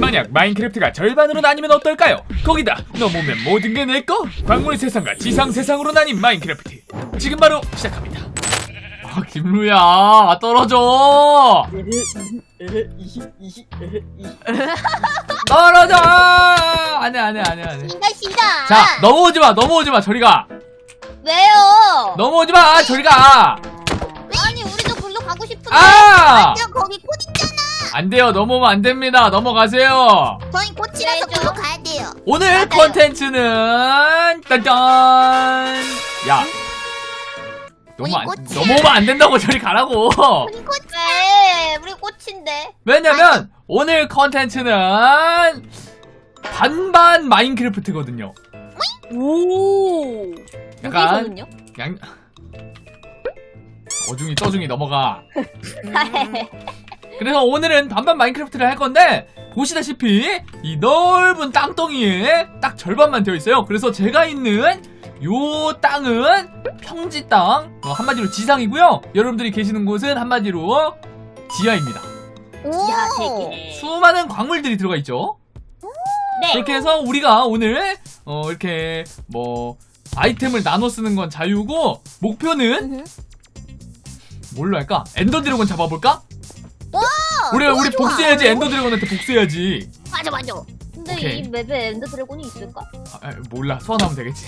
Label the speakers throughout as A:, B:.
A: 만약 마인크래프트가 절반으로 나뉘면 어떨까요? 거기다 넘으면 모든 게 내꺼? 광물 세상과 지상 세상으로 나뉜 마인크래프트 지금 바로 시작합니다. 아 김루야 떨어져. 떨어져. 안해.
B: 싫다.
A: 자 넘어오지마 저리가.
B: 왜요?
A: 넘어오지마 저리가.
B: 아니 우리도 글로 가고 싶은데.
A: 아!
B: 완전 거기 꽃 있잖아.
A: 안돼요. 넘어오면 안됩니다. 넘어가세요.
B: 저희 꽃이라서 글로 가야 돼요.
A: 오늘
B: 맞아요.
A: 컨텐츠는 딴딴. 야
B: 우리 꽃이야.
A: 넘어오면 안 된다고. 저리 가라고.
B: 우리 꽃. 왜? 우리 꽃인데.
A: 왜냐면 오늘 컨텐츠는 반반 마인크래프트거든요.
C: 오.
A: 약간
C: 여기서는요?
A: 양 어중이 떠중이 넘어가. 그래서 오늘은 반반 마인크래프트를 할 건데 보시다시피 이 넓은 땅덩이에 딱 절반만 되어 있어요. 그래서 제가 있는 요 땅은 평지 땅, 한마디로 지상이고요. 여러분들이 계시는 곳은 한마디로 지하입니다.
C: 지하 세계.
A: 수많은 광물들이 들어가 있죠.
C: 네.
A: 그렇게 해서 우리가 오늘 이렇게 뭐 아이템을 나눠 쓰는 건 자유고 목표는 뭘로 할까? 엔더 드래곤 잡아볼까? 우리
B: 좋아.
A: 복수해야지. 엔더 드래곤한테 복수해야지.
B: 맞아.
C: 근데
A: 오케이.
C: 이 맵에 엔더 드래곤이 있을까?
A: 몰라. 소환하면 되겠지.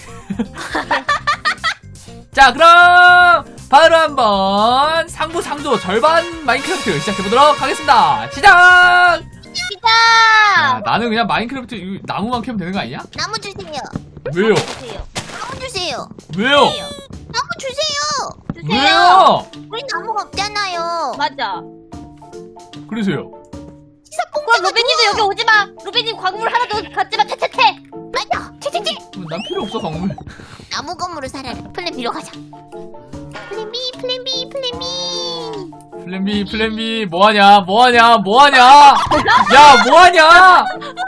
A: 자 그럼 바로 한번 상부 절반 마인크래프트 시작해보도록 하겠습니다. 시작! 야, 나는 그냥 마인크래프트 나무만 캐면 되는 거 아니야?
B: 나무 주세요.
A: 왜요?
C: 주세요.
B: 나무 주세요.
A: 왜요?
B: 나무 주세요.
A: 왜요?
B: 우리 나무가 없잖아요.
C: 맞아.
A: 그러세요.
C: 그럼 로빈님도 여기 오지 마. 로빈님 광물 하나도 갖지 마. 퇴퇴퇴.
B: 맞아. 채채채.
A: 난 필요 없어 광물.
B: 나무 건물을 살아라. 플랜 B로 가자. 플랜 B.
A: 플랜 B 뭐하냐? 야 뭐하냐?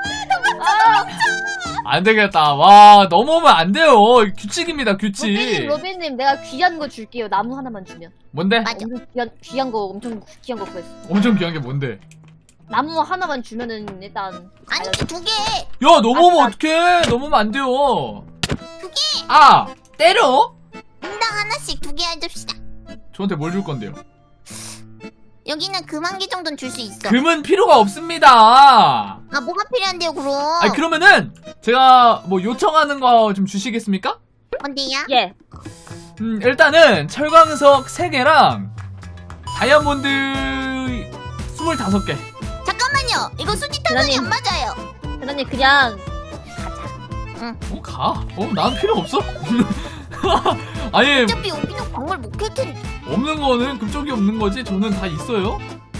A: 안 되겠다. 와 넘어오면 안 돼요. 규칙입니다 규칙.
C: 로빈님 내가 귀한 거 줄게요. 나무 하나만 주면.
A: 뭔데?
B: 맞아.
C: 엄청 귀한 거 엄청 귀한 거 구했어.
A: 엄청 귀한 게 뭔데?
C: 나무 하나만 주면은 일단
B: 아니 2개.
A: 야 넘어오면 어떡해. 넘어오면 안 돼요.
B: 2개.
A: 아 때려?
B: 인당 하나씩 2개 해줍시다.
A: 저한테 뭘 줄 건데요?
B: 여기는 금 1개 정도는 줄 수 있어.
A: 금은 필요가 없습니다.
B: 아 뭐가 필요한데요 그럼?
A: 아니 그러면은 제가 뭐 요청하는 거 좀 주시겠습니까?
B: 뭔데요?
C: 예.
A: 일단은 철광석 3개랑 다이아몬드 25개.
B: 잠깐만요. 이거 수지 타산이
C: 대단히-
B: 안 맞아요.
C: 대단님 그냥
A: 가. 난 필요 없어. 아니
B: 어차피 여기는 광물 못 캘 텐데.
A: 없는 거는 그쪽이 없는 거지. 저는 다 있어요.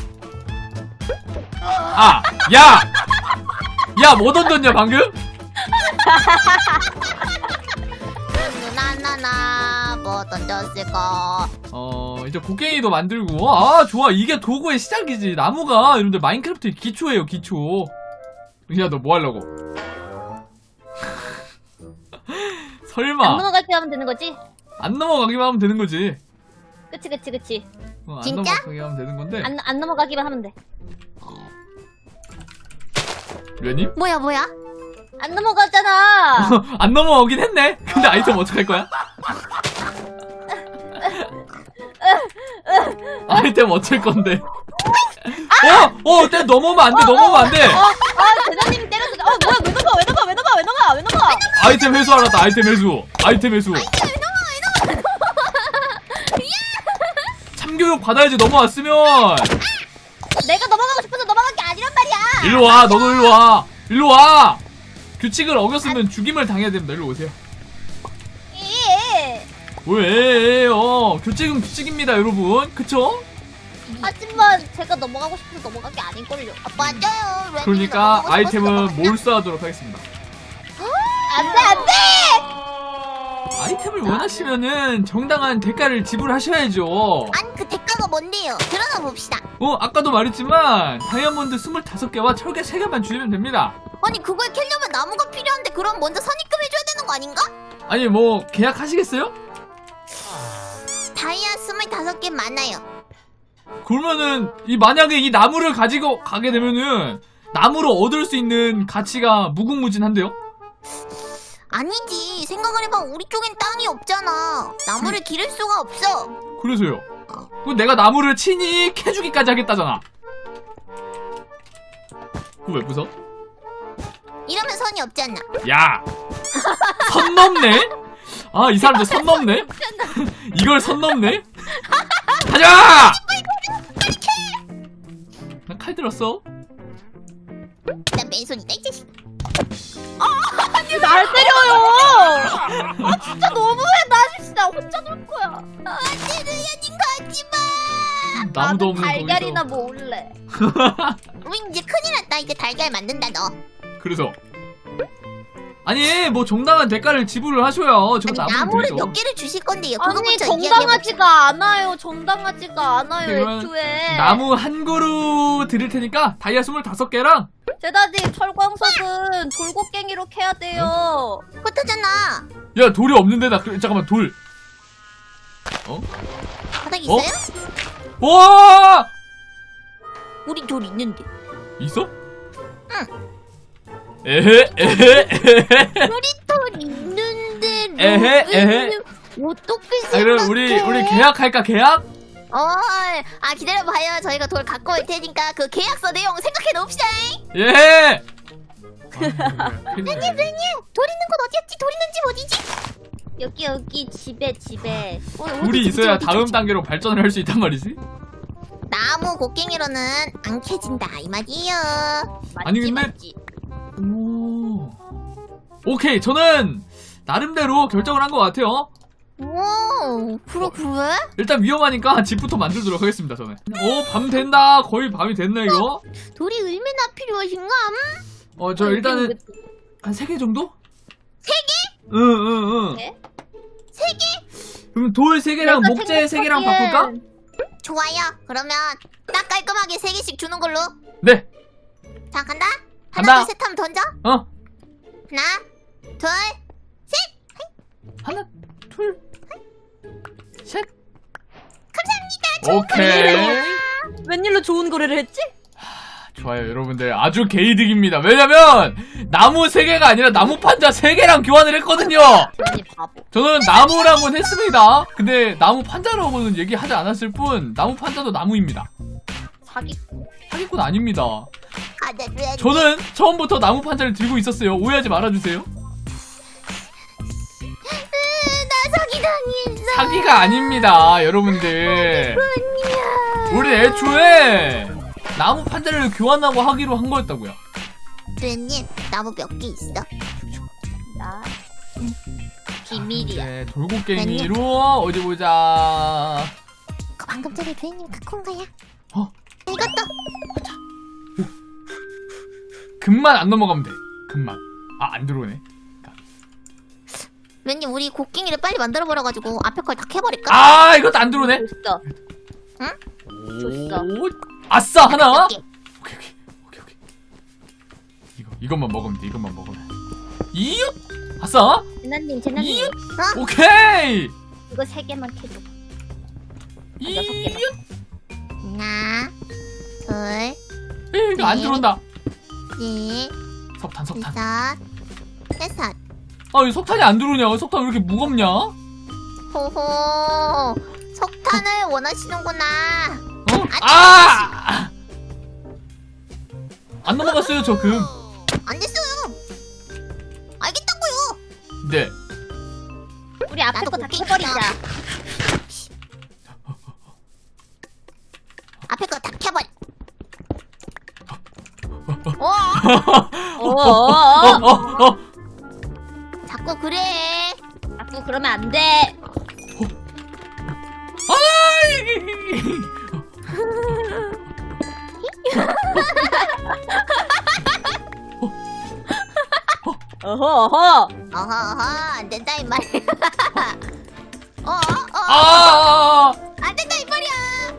A: 야, 뭐 던졌냐 방금?
B: 누나나나 뭐 던졌을까?
A: 이제 곡괭이도 만들고. 아, 좋아. 이게 도구의 시작이지. 나무가 여러분들 마인크래프트의 기초예요, 기초. 야, 너 뭐 하려고? 설마
C: 안 넘어갈 때 하면 되는 거지?
A: 안 넘어가기만 하면 되는 거지.
C: 그치.
A: 안
B: 진짜?
A: 넘어가기만 하면 되는 건데.
C: 안 넘어가기만 하면 돼.
A: 류님?
B: 뭐야?
C: 안 넘어갔잖아.
A: 안 넘어오긴 했네. 근데 아이템 어떡할 거야? 아이템 어쩔 건데? 넘어오면 안 돼.
C: 대장님이 때렸어. 뭐야? 왜 넘어?
A: 아이템 회수 알았다. 아이템 회수. 참교육 받아야지. 넘어왔으면.
C: 내가 넘어가고 싶어서 넘어간 게 아니란 말이야.
A: 일로 와. 너도 일로 와. 규칙을 어겼으면 죽임을 당해야 됩니다. 일로 오세요.
C: 예.
A: 왜요? 규칙은 규칙입니다, 여러분. 그쵸?
C: 하지만 제가 넘어가고 싶어서 넘어간 게 아닐걸요.
B: 맞아요.
A: 그러니까 아이템은 몰수하도록 하겠습니다.
C: 안 돼.
A: 아이템을 원하시면은 정당한 대가를 지불하셔야죠.
B: 아니 그 대가가 뭔데요? 드러나 봅시다.
A: 아까도 말했지만 다이아몬드 25개와 철개 3개만 주시면 됩니다.
B: 아니 그걸 캐려면 나무가 필요한데 그럼 먼저 선입금 해줘야 되는 거 아닌가?
A: 아니 뭐 계약하시겠어요?
B: 다이아 25개 많아요.
A: 그러면은 만약에 이 나무를 가지고 가게 되면은 나무로 얻을 수 있는 가치가 무궁무진한데요?
B: 아니지. 생각을 해봐. 우리 쪽엔 땅이 없잖아. 나무를 기를 수가 없어.
A: 그래서요. 그럼 내가 나무를 친히 캐주기까지 하겠다잖아. 그거 왜 부숴?
B: 이러면 선이 없잖아.
A: 야! 선 넘네? 아, 이 사람들 선 넘네? 이걸 선 넘네? 가자! 나 칼 들었어?
B: 난 맨손이다 이 자식.
C: 날 때려요. 아 진짜 너무해. 나 진짜 혼자 놀 거야.
B: 안돼 루야님 가지마.
A: 나무도
C: 나도
A: 없는
C: 달걀이나
A: 거기서.
C: 모을래.
B: 우리 이제 큰일 났다. 이제 달걀 만든다 너.
A: 그래서 아니 뭐 정당한 대가를 지불을 하셔야 제가
B: 아니,
A: 나무를
B: 나무를
A: 드리죠.
B: 몇 개를 주실 건데요.
C: 아니
B: 그거부터
C: 정당하지가 않아요. 정당하지가 않아요.
A: 그러면
C: 애초에.
A: 나무 한 그루 드릴 테니까 다이아 25개랑
C: 제다님 철광석은 돌고갱이로 캐야 돼요.
B: 그렇다잖아.
A: 야 돌이 없는데 나 잠깐만 돌.
B: 바닥에
A: 어?
B: 있어요?
A: 와!
B: 우리 돌 있는데.
A: 있어? 에헤 에헤.
B: 우리 돌 있는데.
A: 에헤, 에헤.
B: 어떻게
A: 아,
B: 생각해?
A: 그럼 우리 계약할까 계약?
B: 기다려봐요. 저희가 돌 갖고 올 테니까 그 계약서 내용 생각해 놓읍시다.
A: 예.
B: 님 돌 있는 곳 어디였지? 돌 있는 집 어디지?
C: 여기 집에.
A: 돌이 있어야 다음 단계로 발전을 할 수 있단 말이지.
B: 나무 곡괭이로는 안 캐진다 이 말이에요.
A: 아니, 근데-
C: 맞지.
A: 오. 오케이 저는 나름대로 결정을 한 것 같아요.
B: 오, 그래?
A: 일단 위험하니까 집부터 만들도록 하겠습니다 저는. 오 밤 된다. 거의 밤이 됐네 이거.
B: 돌이 얼마나 필요하신가?
A: 저 일단은 한 3개 정도? 3개? 응.
C: 네?
B: 3개?
A: 그럼 돌 3개랑 목재 3개랑 바꿀까?
B: 좋아요. 그러면 딱 깔끔하게 3개씩 주는 걸로.
A: 네.
B: 자, 간다.
A: 간다.
B: 하나, 둘, 셋 하면 던져. 하나, 둘,
A: 하나 둘 셋.
B: 감사합니다.
A: 오케이.
C: 웬일로 좋은 거래를 했지?
A: 좋아요 여러분들 아주 개이득입니다. 왜냐면 나무 3개가 아니라 나무 판자 3개랑 교환을 했거든요.
C: 아니 바보.
A: 저는 나무랑은 했습니다. 근데 나무 판자라고는 얘기하지 않았을 뿐 나무 판자도 나무입니다.
C: 사기.
A: 사기꾼 아닙니다.
B: 가자, 루야님.
A: 저는 처음부터 나무 판자를 들고 있었어요. 오해하지 말아주세요.
B: 나 사기당했어.
A: 사기가 아닙니다 여러분들. 우리 애초에 나무 판자를 교환하고 하기로 한 거였다고요.
B: 루야님, 나무 몇 개 있어?
C: 나 비밀이야.
A: 네, 돌고갱이로 어디 보자.
B: 그거 방금 전에 루야님 갖고 온 거야. 이것도.
A: 금만 안 넘어가면 돼. 금만. 안 들어오네.
B: 루야님, 우리 곡괭이를 빨리 만들어 버려가지고 앞에 걸 다 캐버릴까?
A: 이것도 안 들어오네.
C: 줬어.
B: 응?
C: 줬어.
A: 오, 아싸 하나.
B: 몇 개?
A: 오케이. 이것만 먹으면 돼. 이것만 먹으면. 이웃. 아싸.
C: 제나님
A: 이웃. 오케이.
C: 이거 3개만 캐줘.
A: 이웃.
C: 6개만.
B: 하나, 둘,
A: 이거 안
B: 네.
A: 들어온다.
B: 넷,
A: 석탄.
B: 여섯.
A: 이 석탄이 안 들어오냐? 석탄 왜 이렇게 무겁냐?
B: 호호. 석탄을 원하시는구나.
A: 안 넘어갔어요 저 금.
B: 안 됐어요. 알겠다고요.
A: 네.
C: 우리 앞에
B: 나도
C: 거 다
B: 곡괭이
C: 캐버리자.
B: 앞에 거 다 캐버려.
C: 어어어.
B: 자꾸 그래.
C: 자꾸 그러면 안 돼. 어허.
B: 어허, 안 된다 이 말이야. 안 된다 이 말이야.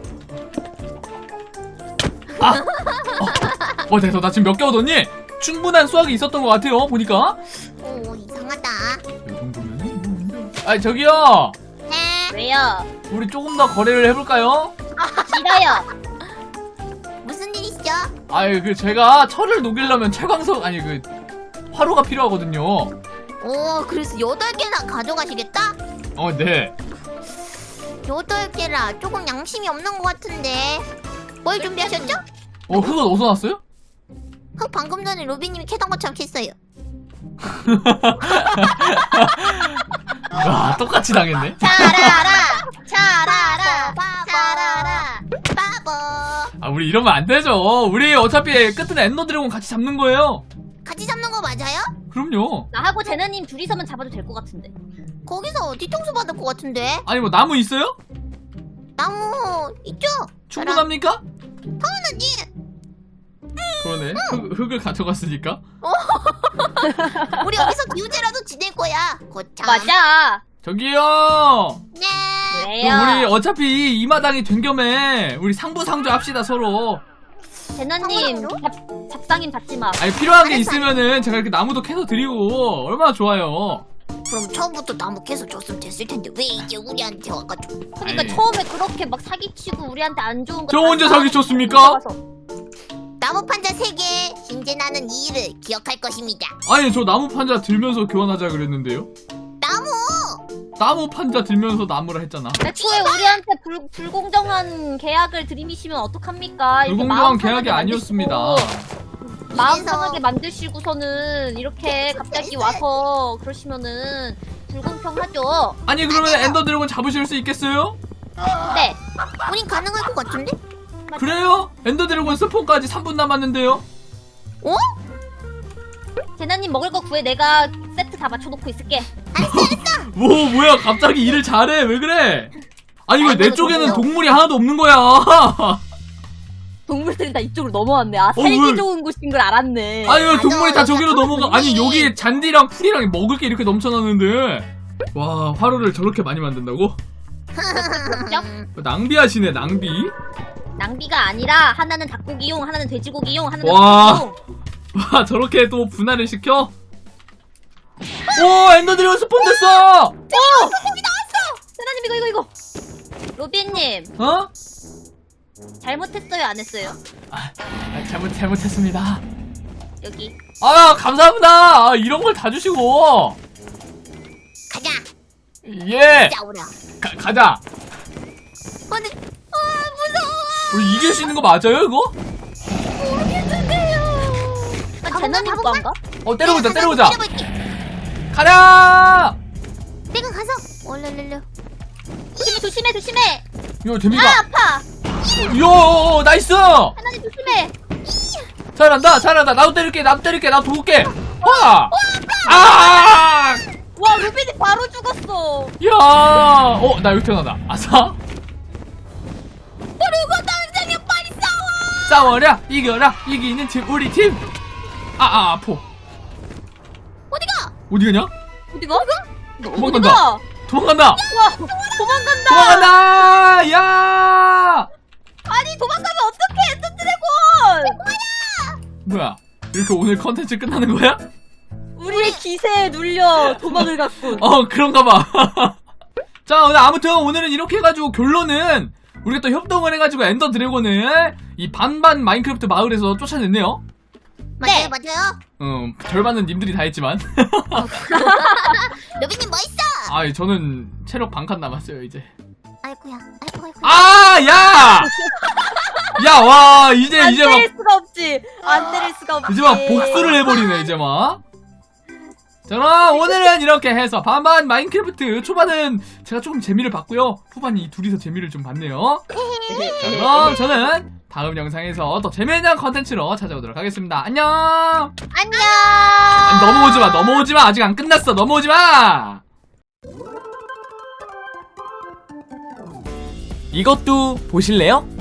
A: 됐어. 나 지금 몇 개 얻었니? 충분한 수확이 있었던 것 같아요. 보니까.
B: 오, 이상하다.
A: 이 정도면. 저기요.
B: 네.
C: 왜요?
A: 우리 조금 더 거래를 해볼까요?
C: 싫어요.
B: 무슨 일 있죠?
A: 아유 그 제가 철을 녹이려면 채광석 아니 그 화로가 필요하거든요.
B: 오, 그래서 8개나 가져가시겠다?
A: 네.
B: 8개라 조금 양심이 없는 것 같은데. 뭘 준비하셨죠?
A: 흙은 어디서 났어요?
B: 흙 방금 전에 로비님이 캐던 것처럼 캤어요.
A: 와 똑같이 당했네.
B: 잘알아 바보.
A: 아 우리 이러면 안 되죠. 우리 어차피 끝은 엔더 드래곤 같이 잡는 거예요.
B: 같이 잡는 거 맞아요?
A: 그럼요.
C: 나하고 제나님 둘이서만 잡아도 될 것 같은데.
B: 거기서 뒤통수 받을 것 같은데.
A: 아니 뭐 나무 있어요?
B: 나무 있죠?
A: 충분합니까?
B: 당연하지.
A: 그러네. 흙을 가져갔으니까.
B: 우리 여기서 기우제라도 지낼 거야. 거참.
C: 맞아.
A: 저기요.
B: 네.
C: 왜요?
A: 우리 어차피 이 마당이 된 겸에 우리 상부상조 합시다 서로.
C: 제나님 잡상인 받지 마.
A: 아니 필요한 게
B: 알았어,
A: 있으면은 제가 이렇게 나무도 캐서 드리고 얼마나 좋아요.
B: 그럼 처음부터 나무 캐서 줬으면 됐을 텐데 왜 이제 우리한테 와가지고.
C: 그러니까
A: 아니.
C: 처음에 그렇게 막 사기치고 우리한테 안 좋은 거.
A: 저
C: 다
A: 언제
C: 사기
A: 사기쳤습니까?
B: 나무 판자 3개. 신재나는 이 일을 기억할 것입니다.
A: 아니 저 나무 판자 들면서 교환하자 그랬는데요. 나무 판자 들면서 나무라 했잖아.
C: 애초에 우리한테 불공정한 계약을 들이미시면 어떡합니까? 이렇게
A: 불공정한
C: 마음
A: 계약이
C: 편하게
A: 아니었습니다.
C: 마음
B: 이래서-
C: 편하게 만드시고서는 이렇게 갑자기 와서 그러시면은 불공평하죠.
A: 아니 그러면 엔더 드래곤 잡으실 수 있겠어요?
C: 네.
B: 우린 가능할 것 같은데?
A: 그래요? 엔더 드래곤 스폰까지 3분 남았는데요.
B: 어?
C: 제나님 먹을 거 구해. 내가 세트 다 맞춰놓고 있을게.
A: 뭐 뭐야 갑자기 일을 잘해 왜 그래? 아니 왜 내 쪽에는
B: 좋네요.
A: 동물이 하나도 없는 거야?
C: 동물들이 다 이쪽으로 넘어왔네. 아,
A: 왜?
C: 살기 좋은 곳인 걸 알았네.
A: 아니 왜 동물이 다
B: 맞아,
A: 저기로
B: 맞아.
A: 넘어가? 아니
B: 동물이.
A: 여기 잔디랑 풀이랑 먹을 게 이렇게 넘쳐나는데 와 화로를 저렇게 많이 만든다고? 낭비하시네 낭비.
C: 낭비가 아니라 하나는 닭고기용, 하나는 돼지고기용, 하나는
A: 와.
C: 소고기용.
A: 와 저렇게 또 분할을 시켜? 오 엔더 드래곤 스폰 됐어!
C: 세나님 이거. 로비님
A: 어?
C: 잘못했어요, 안 했어요?
A: 잘못했습니다.
C: 여기.
A: 아 감사합니다. 아, 이런 걸 다 주시고.
B: 가자.
A: 예.
B: 싸우라.
A: 가자.
B: 근데 무서워.
A: 우리 이길 수 있는 거 맞아요 이거?
C: 아, 제나님 거 안가?
A: 때려보자
B: 내가
A: 때려보자.
B: 가서 때려볼게.
A: 가자.
B: 내가 가서 얼른.
C: 조심해.
A: 이거 재미가.
C: 아, 아파.
A: 요 나이스.
C: 하나님 조심해.
A: 잘한다. 나도 때릴게. 나도 도울게. 와. 아.
C: 와, 로비님 바로 죽었어.
A: 야. 나 여기 태어나다. 아싸.
B: 그리고 당장에 빨리 싸워.
A: 싸워라. 이겨라. 이기는 팀 우리 팀. 아파.
B: 어디가?
A: 어디 가냐?
C: 어디가?
A: 도망간다.
C: 어디가?
A: 도망간다.
C: 와, 도망간다.
A: 도망간다. 야.
C: 아니, 도망가면 어떡해, 엔더 드래곤.
A: 뭐야? 이렇게 오늘 컨텐츠 끝나는 거야?
C: 우리의 기세에 눌려 도망을 갔군.
A: 그런가 봐. 자, 아무튼 오늘은 이렇게 해가지고 결론은 우리가 또 협동을 해가지고 엔더 드래곤을 이 반반 마인크래프트 마을에서 쫓아냈네요.
C: 네.
B: 맞아요.
A: 절반은 님들이 다 했지만.
B: 로비님 멋있어.
A: 저는 체력 반칸 남았어요, 이제.
B: 아이고야.
A: 야! 야, 와, 이제
C: 안
A: 막,
C: 때릴 수가 없지. 안 때릴 수가 없지.
A: 이제 막 복수를 해버리네, 이제 막. 자, 그럼 오늘은 이렇게 해서 반반 마인크래프트 초반은 제가 조금 재미를 봤고요. 후반이 이 둘이서 재미를 좀 봤네요. 자, 그럼 저는 다음 영상에서 더 재미있는 컨텐츠로 찾아오도록 하겠습니다. 안녕!
C: 안녕.
A: 넘어오지 마. 아직 안 끝났어. 넘어오지 마. 이것도 보실래요?